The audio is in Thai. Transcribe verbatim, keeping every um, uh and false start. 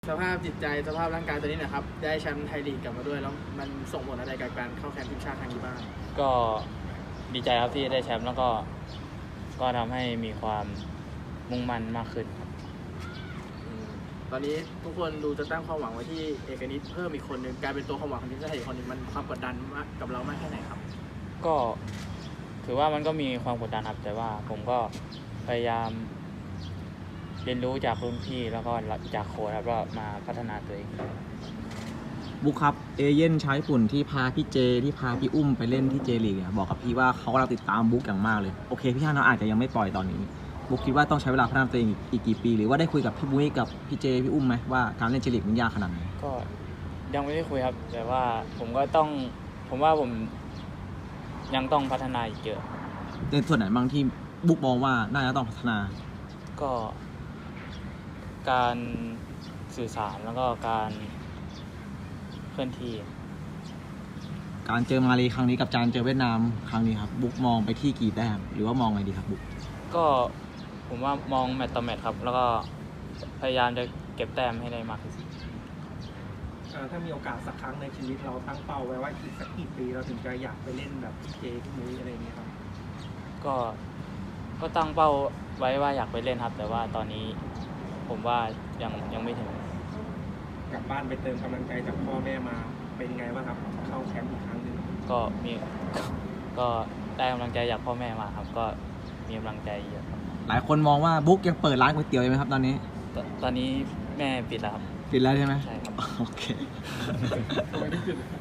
สภาพจิตใจสภาพร่างกายตัวนี้นะครับได้แชมป์ไทยลีกกลับมาด้วยแล้วมันส่งผลอะไรกับการเข้าแคมป์ทีมชาติครั้งนี้บ้างก็ดีใจครับที่ได้แชมป์แล้วก็ก็ทำให้มีความมุ่งมั่นมากขึ้นครับตอนนี้ทุกคนดูจะตั้งความหวังไว้ที่เอกนิตเพิ่มอีกคนหนึ่งกลายเป็นตัวความหวังของทีมชาติอีกคนหนึ่งมันความกดดันมากกับเรามากแค่ไหนครับก็ถือว่ามันก็มีความกดดันครับแต่ว่าผมก็พยายามเรียนรู้จากรุ่นพี่แล้วก็จากโค้ชครับว่ามาพัฒนาตัวเองบุ๊คครับเอเย่นชาวญี่ปุ่นที่พาพี่เจที่พาพี่อุ้มไปเล่นที่เจลีกเนี่ยบอกกับพี่ว่าเขากำลังติดตามบุ๊คอย่างมากเลยโอเคพี่ฮานเราอาจจะยังไม่ปล่อยตอนนี้บุ๊คคิดว่าต้องใช้เวลาพัฒนาตัวเองอีกกี่ปีหรือว่าได้คุยกับพี่บุ๊คกับพี่เจพี่อุ้มไหมว่าการเล่นเจลีกมันยากขนาดไหนก็ยังไม่ได้คุยครับแต่ว่าผมก็ต้องผมว่าผมยังต้องพัฒนาอีกเยอะในส่วนไหนบางที่บุ๊คมองว่าน่าจะต้องพัฒนาก็การสื่อสารแล้วก็การเคลื่อนที่การเจอมาเลครั้งนี้กับการเจอเวียดนามครั้งนี้ครับบุ๊คมองไปที่กี่แต้มหรือว่ามองไงดีครับบุ๊คก็ผมว่ามองแมตต์ต่อแมตต์ครับแล้วก็พยายามจะเก็บแต้มให้ได้มากที่สุดถ้ามีโอกาสสักครั้งในชีวิตเราตั้งเป้าไว้ว่าอีกสักกี่ปีเราถึงจะอยากไปเล่นแบบพี่เจพี่มุ้ยอะไรอย่างเงี้ยครับก็ก็ตั้งเป้าไว้ว่าอยากไปเล่นครับแต่ว่าตอนนี้ผมว่ายังยังไม่ถึงกลับบ้านไปเติมกำลังใจจากพ่อแม่มาเป็นไงบ้างครับเข้าแคมป์อีกครั้งหนึ่งก็มีก็ได้กำลังใจจากพ่อแม่มาครับก็มีกำลังใจเยอะครับหลายคนมองว่าบุ๊คยังเปิดร้านก๋วยเตี๋ยวอยู่ไหมครับตอนนี้ตอนนี้แม่ปิดแล้วครับปิดแล้วใช่ไหมใช่ครับโอเค